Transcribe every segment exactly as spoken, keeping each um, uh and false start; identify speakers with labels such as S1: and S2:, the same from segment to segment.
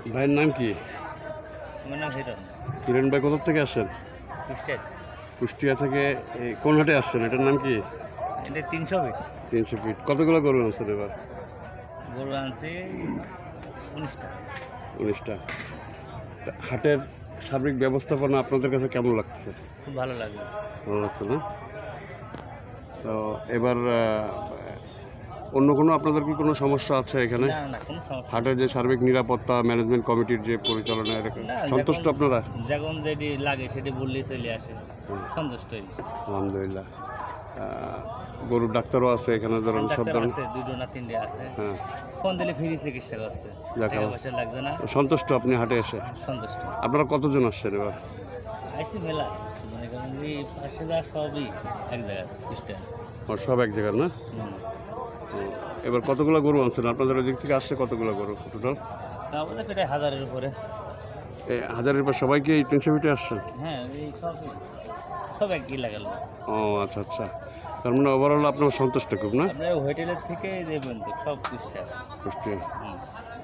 S1: ভাইয়ের নাম কি?
S2: আমার নাম হিরণ।
S1: হিরণ ভাই কোথা থেকে আসছেন?
S2: কুষ্টিয়া।
S1: কুষ্টিয়া থেকে এই কোন হাটে আসছেন? এটার নাম কি?
S2: এটা তিনশো ফিট।
S1: তিনশো ফিট। কতগুলো গরু আনছেন এবার?
S2: গরু আনছি উনিশটা।
S1: উনিশটা। হাটের সার্বিক ব্যবস্থাপনা আপনাদের কাছে কেমন লাগছে?
S2: খুব ভালো লাগলো।
S1: ভালো লাগছে না? তো এবার অন্য কোনো আপনাদের কি কোনো সমস্যা আছে এখানে?
S2: না না কোনো সমস্যা
S1: হাটের যে সার্বিক নিরাপত্তা ম্যানেজমেন্ট কমিটির যে পরিচালনা এরকম
S2: না,
S1: সন্তুষ্ট
S2: যখন-
S1: আপনারা?
S2: যখন যেটি লাগে সেটি বললেই চলে আসে, সন্তুষ্টই।
S1: আলহামদুলিল্লাহ। গরুর ডাক্তারও আছে এখানে, ধরুন সব
S2: ডাক্তার
S1: ধরনের।
S2: আছে, দুটো না তিনটে আছে।
S1: হ্যাঁ,
S2: ফোন দিলে ফ্রি চিকিৎসা করছে,
S1: যাক
S2: টাকা
S1: আল্লাহ।
S2: পয়সা লাগবে না।
S1: সন্তুষ্ট আপনি হাটে এসে?
S2: সন্তুষ্ট।
S1: আপনারা কতজন আসছেন এবার?
S2: আইসি মেলা মনে করেন যে পাশে যা সবই এক জায়গায় স্ট্যান্ড।
S1: আর সব এক জায়গার না? ও, এবার কতগুলো গরু আনছেন আপনাদের ওই দিক থেকে? আসছে কতগুলো গরু টোটাল?
S2: আমাদের প্রায় হাজারের উপরে।
S1: এই হাজারের পর সবাই কি এই তিনশো ফিটে আসছেন?
S2: হ্যাঁ, এই সবই সব একই লাগাল।
S1: ও আচ্ছা আচ্ছা, তার মানে ওভারঅল আপনার সন্তুষ্ট খুব না?
S2: আপনার হোটেলের থেকে দেবেন তো সব কুষ্টিয়া।
S1: কুষ্টিয়া।
S2: হুম।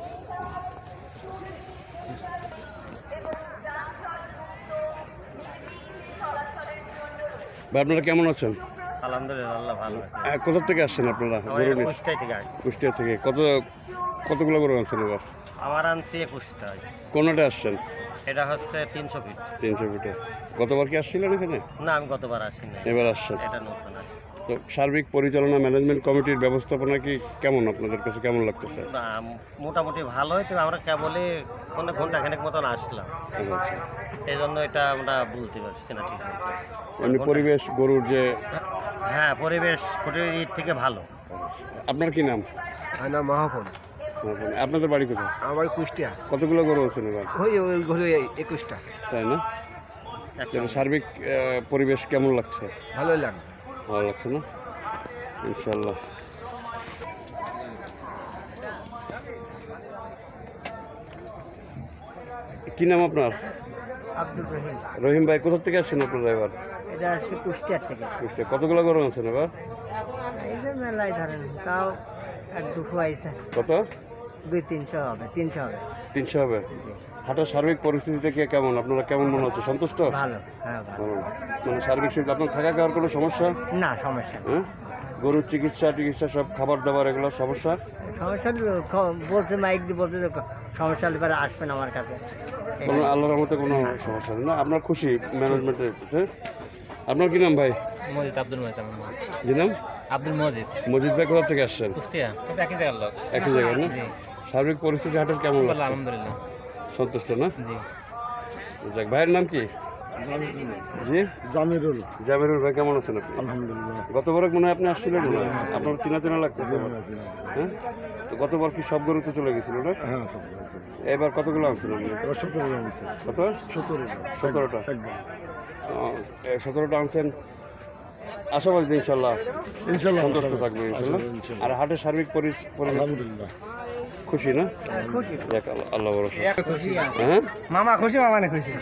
S1: ভাই আপনারা কেমন আছেন?
S3: আলহামদুলিল্লাহ, আল্লাহ ভালো।
S1: আহ, কোথা থেকে আসছেন আপনারা? গরু নিয়ে?
S3: কুষ্টাই থেকে আসছি।
S1: কুষ্টিয়া থেকে। কত কতগুলো গরু আনছেন এবার?
S3: আমার আনছি একুশটায়।
S1: কোনটা আসছেন?
S3: এটা হচ্ছে তিনশো ফিট।
S1: তিনশো ফিটে। গতবার কি আসছিলেন এখানে?
S3: না, আমি গতবার আসিনি,
S1: এবার আসছেন।
S3: এটা নতুন আসছে।
S1: তো সার্বিক পরিচালনা ম্যানেজমেন্ট কমিটির ব্যবস্থাপনা কি কেমন আপনাদের কাছে কেমন লাগতেছে?
S3: না, মোটামুটি ভালোই, তো আমরা কেবলই কোনো ঘন্টা খানেক মতন আসলাম,
S1: আচ্ছা আচ্ছা।
S3: এই জন্য এটা আমরা বলতে পারছি না ঠিক মতো।
S1: এমনি পরিবেশ গরুর যে
S3: হ্যাঁ, পরিবেশ খুঁটির থেকে ভালো।
S1: আপনার কি নাম?
S4: আমার নাম মহাপন।
S1: আপনাদের বাড়ি কোথায়?
S4: আমার কুষ্টিয়া।
S1: কতগুলো গরু আছেন এবার?
S4: ওই ওই ঘরে একুশটা।
S1: তাই না?
S3: একসঙ্গে।
S1: সার্বিক আহ, পরিবেশ কেমন লাগছে?
S4: ভালোই লাগছে।
S1: ভালো লাগছে না? ইনশাল্লাহ। কি নাম আপনার?
S4: আব্দুল রহিম।
S1: রহিম ভাই কোথা থেকে আসছেন আপনারা এবার?
S4: এটা আসছে কুষ্টিয়ার থেকে।
S1: কুষ্টিয়া। কতগুলো গরু আছেন এবার?
S4: এই যে মেলায় ধরেন তাও এক দুশো আইসে,
S1: কত?
S4: দুই তিনশো হবে, তিনশো হবে।
S1: তিনশো হবে। হাটের সার্বিক পরিস্থিতি থেকে কেমন আপনারা কেমন মনে হচ্ছে? সন্তুষ্ট?
S4: ভালো, হ্যাঁ ভালো।
S1: ভালো। মানে সার্বিক সুবিধা আপনার থাকা খাওয়ার কোনো সমস্যা?
S4: না, সমস্যা নেই।
S1: হ্যাঁ, গরুর চিকিৎসা টিকিৎসা সব খাবার দাবার এগুলো সমস্যা?
S4: সমস্যা হলে খ- বলছে মাইক দিয়ে বলছে যে সমস্যা হলে পরে আসবেন আমার কাছে।
S1: কোনো আল্লাহর মতো কোনো সমস্যা নেই না? আপনার খুশি ম্যানেজমেন্টের? হ্যাঁ, আপনার কি নাম ভাই?
S2: মজিদ, আব্দুল মজিদ আমার নাম।
S1: জি নাম?
S2: আব্দুল মজিদ।
S1: মজিদ ভাই কোথা থেকে আসছেন?
S2: কুষ্টিয়া, এটা একই জায়গার লোক।
S1: একই জায়গায় না?
S2: জি।
S1: সার্বিক পরিস্থিতি হাটের কেমন
S2: ভালো,
S1: লাগছে?
S2: আলহামদুলিল্লাহ।
S1: সন্তুষ্ট না?
S2: জি।
S1: যাক, ভাইয়ের নাম কি? জি
S4: জামিরুল।
S1: জামিরুল ভাই কেমন আছেন আপনি?
S4: আলহামদুলিল্লাহ।
S1: গতবার মনে হয় আপনি আসছিলেন মনে হয়? আপনার চেনা চেনা লাগতেছে আমার। হ্যাঁ, তো গতবার কি সব গরু তো চলে গেছিল না?
S4: হ্যাঁ,
S1: এবার কতগুলো আনছেন আপনি?
S4: সতেরো আনছে।
S1: কত?
S4: সতেরো।
S1: সতেরোটা।
S4: একদম।
S1: সতেরোটা আনছেন। আশাবাদী যে ইনশাল্লাহ
S4: ইনশাল্লাহ
S1: সন্তুষ্ট থাকবে ইনশাল্লাহ। আর হাটের সার্বিক পরি- পরিবেশ
S4: আলহামদুলিল্লাহ।
S1: খুশি না?
S4: খুশি।
S1: যাক, আল্লাহ- আল্লাহ ভরসা।
S4: খুশি।
S1: হ্যাঁ,
S4: মামা খুশি, মামা না খুশি।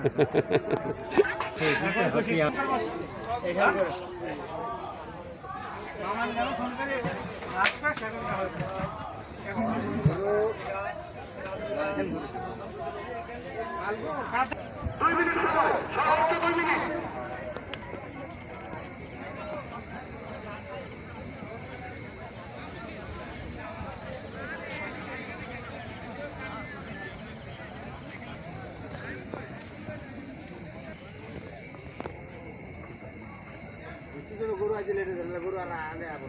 S4: গরু আছে, গরু আর আনে আবার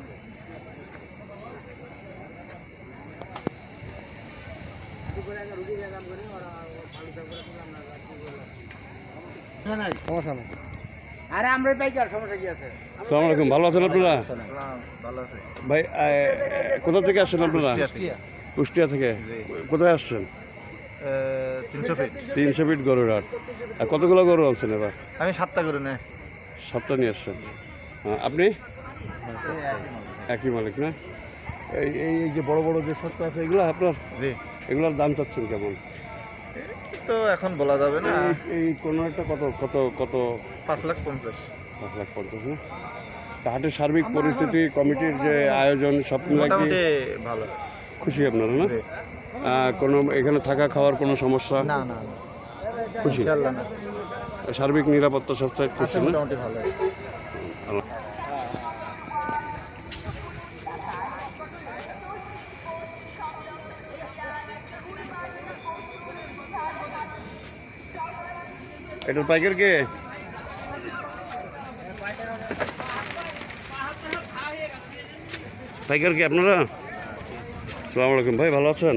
S4: সমস্যা নেই। আরে আমরা পাইকার, সমস্যা কি আছে?
S1: আসসালামু আলাইকুম, ভালো আছেন আপনারা?
S4: ভালো আছে।
S1: ভাই আহ, কোথা থেকে আসছেন আপনারা? কুষ্টিয়া থেকে। কোথায় আসছেন?
S3: তিনশো ফিট।
S1: তিনশো ফিট গরুর হাট। আর কতগুলো গরু আনছেন এবার?
S3: আমি সাতটা করে নেই।
S1: সাতটা নিয়ে আসছেন। হ্যাঁ, আপনি? একই মালিক না? এই এই এই যে বড় বড় যে সত্য আছে এগুলো আপনার?
S3: জি।
S1: এগুলোর দাম চাচ্ছেন কেমন?
S3: তো এখন বলা যাবে না।
S1: এই- এই কোনো একটা কত কত কত?
S3: পাঁচ লাখ পঞ্চাশ।
S1: পাঁচ লাখ পঞ্চাশ না? তা হাটের সার্বিক পরিস্থিতি কমিটির যে আয়োজন সব মিলাই কি
S3: মোটামুটি ভালো।
S1: খুশি আপনারা না?
S3: জি।
S1: আহ, কোনো এখানে থাকা খাওয়ার কোনো সমস্যা
S4: না না
S1: খুশি
S4: ইনশাআল্লাহ না
S1: সার্বিক নিরাপত্তা সবচেয়ে খুশি না
S4: মোটামুটি ভালো
S1: এটার পাইকার কে পাইকার কি আপনারা সালাম আলাইকুম ভাই ভালো আছেন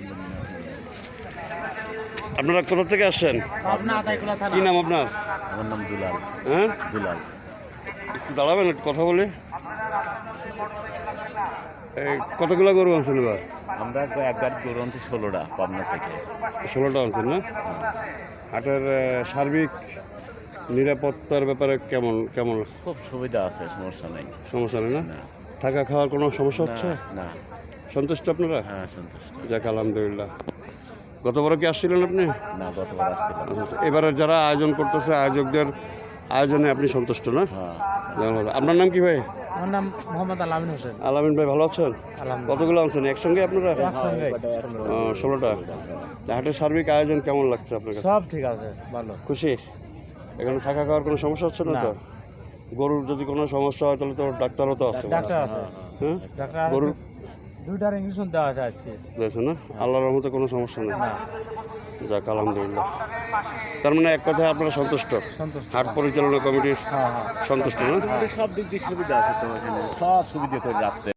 S1: আপনারা কোথা থেকে আসছেন কি নাম আপনার
S2: আমার নাম দুলাল
S1: হ্যাঁ
S2: দুলাল
S1: একটু দাঁড়াবেন একটু কথা বলি এই কতগুলো গরু আনছেন এবার
S2: আমরা একবার গরু আনছি ষোলোটা পাবনা থেকে
S1: ষোলোটা আনছেন না হাটের আহ, সার্বিক নিরাপত্তার ব্যাপারে কেমন কেমন
S2: খুব সুবিধা আছে, সমস্যা নেই।
S1: সমস্যা নেই না
S2: না
S1: থাকা খাওয়ার কোনো সমস্যা হচ্ছে
S2: না
S1: সন্তুষ্ট আপনারা
S2: হ্যাঁ সন্তুষ্ট।
S1: যাক আলহামদুলিল্লাহ গতবার কি আসছিলেন আপনি
S2: না গতবার আসছিলাম।
S1: আচ্ছা, আচ্ছা। এবারে যারা আয়োজন করতেছে আয়োজকদের আয়োজনে আপনি সন্তুষ্ট না
S2: হ্যাঁ
S1: ধন্যবাদ। আপনার নাম কি ভাই
S4: আমার নাম মোহাম্মদ আলামিন হোসেন
S1: আলামিন ভাই ভালো আছেন কতগুলো আনছেন একসঙ্গে আপনারা
S4: একসঙ্গে
S1: আহ, ষোলোটা হাটের সার্বিক আয়োজন কেমন লাগছে আপনার কাছে
S4: সব ঠিক আছে ভালো
S1: খুশি এখানে থাকা খাওয়ার কোনো সমস্যা হচ্ছে না তো গরুর যদি কোনো সমস্যা হয় তাহলে তো ডাক্তারও তো আছে
S4: ডাক্তার আছে
S1: হ্যাঁ
S4: ডাক্তার
S1: গরুর
S4: দুইটার ইঞ্জেকশন দেওয়া আছে আজকে
S1: দিয়েছে না আল্লাহর রহমতে কোনো সমস্যা নেই
S4: না
S1: যাক আলহামদুলিল্লাহ তার মানে এক কথায় আপনারা সন্তুষ্ট
S4: সন্তুষ্ট
S1: হাট পরিচালনা কমিটির
S4: হ্যাঁ হ্যাঁ
S1: সন্তুষ্ট না
S2: সব দিক দিয়ে সুবিধা আছে তো, এখানে সব সুবিধা করে রাখছে।